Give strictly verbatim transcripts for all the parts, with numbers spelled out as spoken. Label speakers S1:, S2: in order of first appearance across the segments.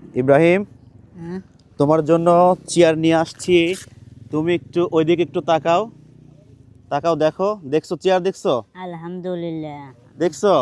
S1: ইব্রাহিম,
S2: হ্যাঁ
S1: তোমার জন্য চেয়ার নিয়ে আসছি। তুমি একটু ওইদিকে একটু তাকাও, তাকাও, দেখো, দেখছো চেয়ার? দেখছো?
S2: আলহামদুলিল্লাহ।
S1: দেখছো?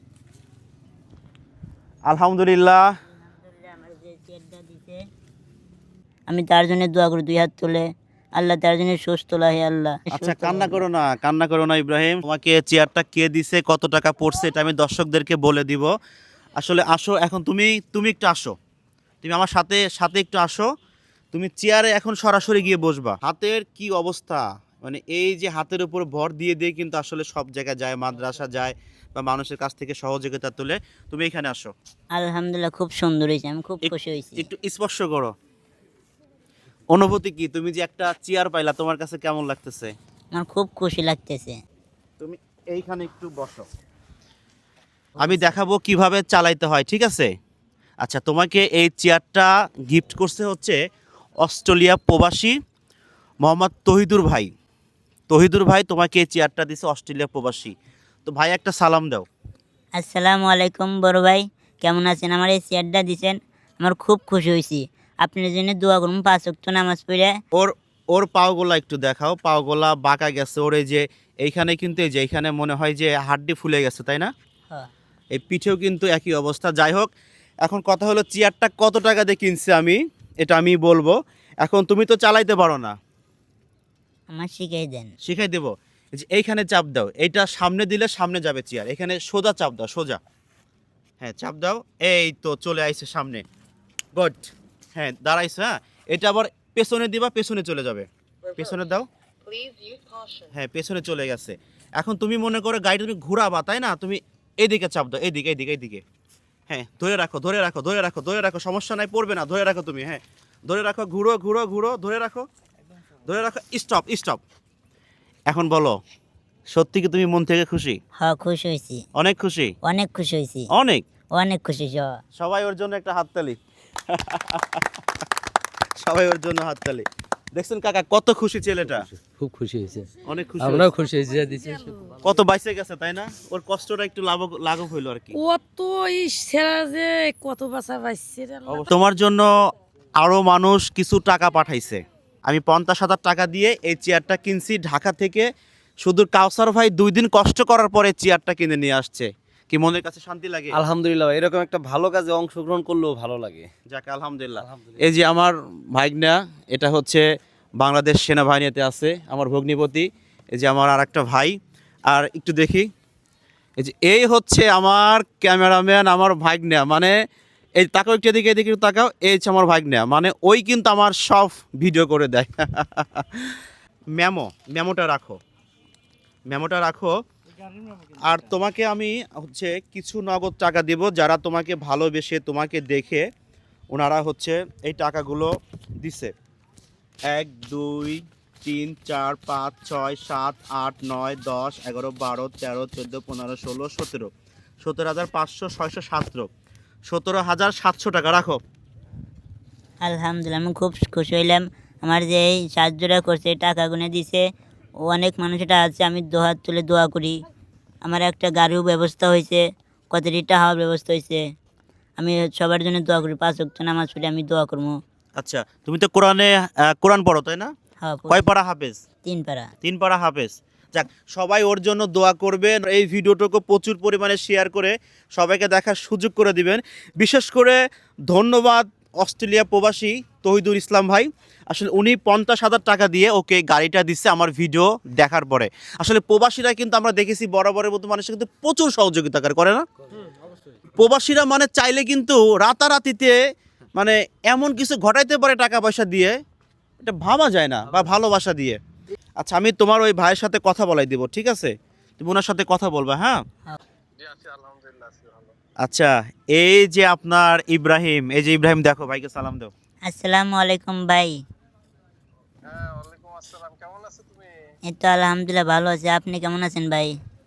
S1: আলহামদুলিল্লাহ।
S2: আলহামদুলিল্লাহ আমার যে চেয়ারটা দিছে আমি তার জন্য দোয়া করি দুই হাত তুলে। আল্লাহ তার জন্য সুস্থ লাগে, আল্লাহ
S1: আচ্ছা,
S2: সুস্থ
S1: কান্না
S2: রাখে
S1: করো
S2: আল্লাহ।
S1: না, কান্না করো না ইব্রাহিম। তোমাকে চেয়ারটা কে দিছে, কত টাকা পড়ছে, এটা আমি দর্শকদেরকে বলে দিব। আসলে আসো, এখন তুমি তুমি একটু আসো, তুমি আমার সাথে সাথে একটু আসো। তুমি চেয়ারে এখন সরাসরি গিয়ে বসবা। হাতের কি অবস্থা, মানে এই যে হাতের উপর ভর দিয়ে দিয়ে কিন্তু আসলে সব জায়গায় যায়, মাদ্রাসা যায় বা মানুষের কাছ থেকে সহযোগিতা তুলে। তুমি এখানে আসো,
S2: আলহামদুলিল্লাহ খুব সুন্দর হয়েছে, আমি খুব
S1: এক-
S2: খুশি হয়েছি।
S1: একটু স্পর্শ করো। অনুভূতি কি, তুমি যে একটা চেয়ার পাইলা, তোমার কাছে কেমন লাগতেছে?
S2: আমার খুব খুশি লাগতেছে।
S1: তুমি এইখানে একটু বসো, আমি দেখাবো কিভাবে চালাইতে হয়, ঠিক আছে? আচ্ছা, তোমাকে এই চেয়ারটা গিফট করছে হচ্ছে অস্ট্রেলিয়া প্রবাসী মোহাম্মদ তহিদুর ভাই। তহিদুর ভাই তোমাকে এই চেয়ারটা দিছে, অস্ট্রেলিয়া প্রবাসী। তো ভাই একটা সালাম দাও।
S2: আসসালামু আলাইকুম বড় ভাই, কেমন আছেন? আমার এই চেয়ারটা দিছেন, আমার খুব খুশি হয়েছি। আপনার জন্য দোয়া করুন পাঁচ ওয়াক্ত নামাজ পড়ে।
S1: ওর ওর পাওগোলা একটু দেখাও, পাওগোলা বাঁকা গেছে ওর, এই যে এইখানে কিন্তু, এই যে এইখানে মনে হয় যে হাড্ডি ফুলে গেছে, তাই না?
S2: হ্যাঁ
S1: এই পিঠেও কিন্তু একই অবস্থা। যাই হোক, এখন কথা হলো চেয়ারটা কত টাকা দিয়ে কিনছি আমি, এটা আমি বলবো। এখন তুমি তো চালাইতে পারো না,
S2: আমার শিখাই দেন।
S1: শিখাই দেবো। এই যে এইখানে চাপ দাও, এইটা সামনে দিলে সামনে যাবে চেয়ার, এখানে সোজা চাপ দাও, সোজা। হ্যাঁ, চাপ দাও, এই তো চলে আইছে সামনে। গুড। হ্যাঁ, দাঁড়াইছে। হ্যাঁ, এটা আবার পেছনে দিবা, পেছনে চলে যাবে। পেছনে দাও। হ্যাঁ, পেছনে চলে গেছে। এখন তুমি মনে করো গাড়িটা তুমি ঘোরাবা, তাই না? তুমি এইদিকে চাপ দাও, এইদিকে এইদিকে এইদিকে। হ্যাঁ, ধরে রাখো, ধরে রাখো, ধরে রাখো, ধরে রাখো, সমস্যা নাই, পড়বে না, ধরে রাখো তুমি। হ্যাঁ, ধরে রাখো, ঘুরো ঘুরো ঘুরো, ধরে রাখো, ধরে রাখো, স্টপ স্টপ। এখন বলো, সত্যি কি তুমি মন থেকে খুশি?
S2: হ্যাঁ খুশি হয়েছি,
S1: অনেক খুশি?
S2: অনেক খুশি হয়েছি,
S1: অনেক।
S2: অনেক খুশি হয়েছি। হ্যাঁ।
S1: সবাই ওর জন্য একটা হাততালি। সবাই ওর জন্য হাততালি। দেখছেন কাকা কত খুশি ছেলেটা?
S3: খুব খুশি হয়েছে,
S1: অনেক খুশি
S3: আমরাও
S1: হয়েছে।
S3: খুশি হয়েছি যা দিছে।
S1: কত বাইসে গেছে, তাই না? ওর কষ্টটা একটু লাঘব লাঘব হইলো আর কি।
S4: কত এই সেরা যে কত বাসা পাইছে রে আল্লাহ।
S1: অবশ্য তোমার জন্য আরো মানুষ কিছু টাকা পাঠাইছে। আমি পঞ্চাশ হাজার টাকা দিয়ে এই চেয়ারটা কিনছি ঢাকা থেকে। শুধু কাউসার ভাই দুই দিন কষ্ট করার পরে চেয়ারটা কিনে নিয়ে আসছে। কি মনের কাছে শান্তি লাগে?
S3: আলহামদুলিল্লাহ, এরকম একটা ভালো কাজে অংশগ্রহণ করলেও ভালো লাগে।
S1: যাক আলহামদুলিল্লাহ। এই যে আমার ভাইগনা, এটা হচ্ছে বাংলাদেশ সেনাবাহিনীতে আছে, আমার ভগ্নিপতি। এই যে আমার আর একটা ভাই। আর একটু দেখি, এই যে এই হচ্ছে আমার ক্যামেরাম্যান, আমার ভাইগনা। মানে এই তাকাও একটু, এদিকে এদিকে একটু তাকাও, এই হচ্ছে আমার ভাইগনা। মানে ওই কিন্তু আমার সব ভিডিও করে দেয়। মেমো, মেমোটা রাখো, মেমোটা রাখো। আর তোমাকে আমি হচ্ছে কিছু নগদ টাকা দিব, যারা তোমাকে ভালোবেসে তোমাকে দেখে ওনারা হচ্ছে এই টাকাগুলো দিছে। এক, দুই, তিন, চার, পাঁচ, ছয়, সাত, আট, নয়, দশ, এগারো, বারো, তেরো, চোদ্দো, পনেরো, ষোলো, সতেরো। সতেরো হাজার পাঁচশো, ছয়শো, সতেরো, সতেরো হাজার সাতশো টাকা রাখো।
S2: আলহামদুলিল্লাহ আমি খুব খুশি হইলাম। আমার যে এই সাহায্যটা করছে, টাকা গুনে দিছে, ও অনেক মানুষ এটা আছে, আমি দোহাত তুলে দোয়া করি। আমার একটা গাড়িও ব্যবস্থা হয়েছে, কতটি টাকার ব্যবস্থা হয়েছে। আমি সবার জন্য দোয়া করি, পাঁচ ওয়াক্ত নামাজ পড়ে আমি দোয়া করবো।
S1: আচ্ছা, তুমি তো কোরআনে আহ, কোরআন পড়ো, তাই না?
S2: হ্যাঁ
S1: কয় পারা হাফেজ?
S2: তিন পারা।
S1: তিন পারা হাফেজ। যাক, সবাই ওর জন্য দোয়া করবেন। এই ভিডিওটাকে প্রচুর পরিমাণে শেয়ার করে সবাইকে দেখার সুযোগ করে দিবেন। বিশেষ করে ধন্যবাদ অস্ট্রেলিয়া প্রবাসী তহিদুল ইসলাম ভাই। আসলে উনি পঞ্চাশ হাজার টাকা দিয়ে ওকে গাড়িটা দিচ্ছে আমার ভিডিও দেখার পরে। আসলে প্রবাসীরা কিন্তু আমরা দেখেছি বরাবরের মতো মানুষের কিন্তু প্রচুর সহযোগিতা করে না? প্রবাসীরা মানে চাইলে কিন্তু রাতারাতিতে মানে এমন কিছু ঘটাইতে পারে টাকা পয়সা দিয়ে, এটা ভাবা যায় না, বা ভালোবাসা দিয়ে। আচ্ছা, আমি তোমার ওই ভাইয়ের সাথে কথা বলাই দিব, ঠিক আছে? তুমি ওনার সাথে কথা বলবা, হ্যাঁ? আচ্ছা, এই যে আপনার ইব্রাহিম, এই যে ইব্রাহিম, দেখো ভাইকে সালাম দাও।
S2: আসসালামু আলাইকুম ভাই। এই তো আলহামদুলিল্লাহ ভালো আছে, আপনি কেমন আছেন ভাই?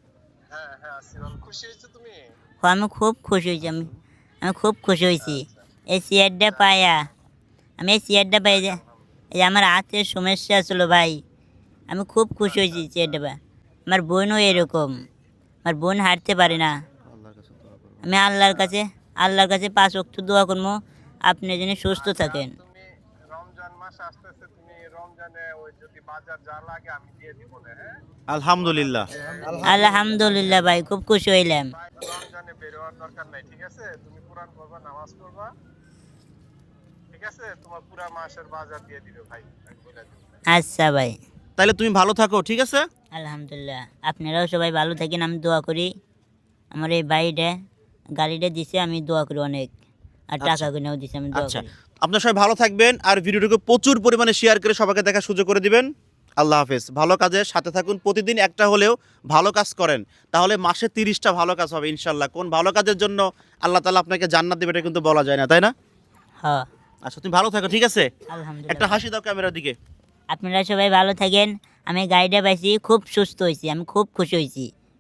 S2: ও, আমি খুব খুশি হয়েছি, আমি আমি খুব খুশি হয়েছি এই চেয়ারটা পাইয়া। আমি এই চেয়ারটা পাই যে এই যে আমার হাতের সমস্যা ছিল ভাই, আমি খুব খুশি হয়েছি চেয়ারটা পাই। আমার বোনও এরকম, আমার বোন হাঁটতে পারে না। আমি আল্লাহর কাছে আল্লাহর কাছে পাঁচ ওয়াক্ত দোয়া করবো, আপনি যেন সুস্থ থাকেন।
S5: তুমি রমজান মাস আসতেছে, তুমি রমজানে ওই যদি বাজার যা লাগে আমি দিয়ে দিব না, হ্যাঁ?
S1: আলহামদুলিল্লাহ।
S2: আলহামদুলিল্লাহ ভাই, খুব খুশি হইলাম।
S5: রমজানে বের হওয়ার দরকার নাই, ঠিক আছে? তুমি কোরআন পড়বা, নামাজ পড়বা, ঠিক আছে? তোমার পুরা মাসের বাজার দিয়ে দিবে ভাই, আমি বলে দিব।
S2: আচ্ছা ভাই,
S1: তাহলে তুমি ভালো থাকো, ঠিক আছে?
S2: আলহামদুলিল্লাহ। আপনারাও সবাই ভালো থাকেন, আমি দোয়া করি। আমার এই ভাইটা গাড়িটা দিছে, আমি দোয়া করি অনেক। আর টাকা গুনেও দিছে, আমি দোয়া
S1: আচ্ছা,
S2: করি।
S1: আপনারা সবাই ভালো থাকবেন আর ভিডিওটাকে প্রচুর পরিমাণে শেয়ার করে সবাইকে দেখার সুযোগ করে দিবেন। আল্লাহ হাফেজ। ভালো কাজের সাথে থাকুন, প্রতিদিন একটা হলেও ভালো কাজ করেন, তাহলে মাসে তিরিশটা ভালো কাজ হবে ইনশাল্লাহ। কোন ভালো কাজের জন্য আল্লাহ তাআলা আপনাকে জান্নাত দেবে এটা কিন্তু বলা যায় না, তাই না?
S2: হ্যাঁ,
S1: আচ্ছা, তুমি ভালো থাকো, ঠিক আছে? একটা
S2: আলহামদুলিল্লাহ।
S1: হাসি দাও ক্যামেরার দিকে।
S2: আপনারা সবাই ভালো থাকেন। আমি গাড়িটা পাইছি, খুব সুস্থ হয়েছি, আমি খুব খুশি হয়েছি।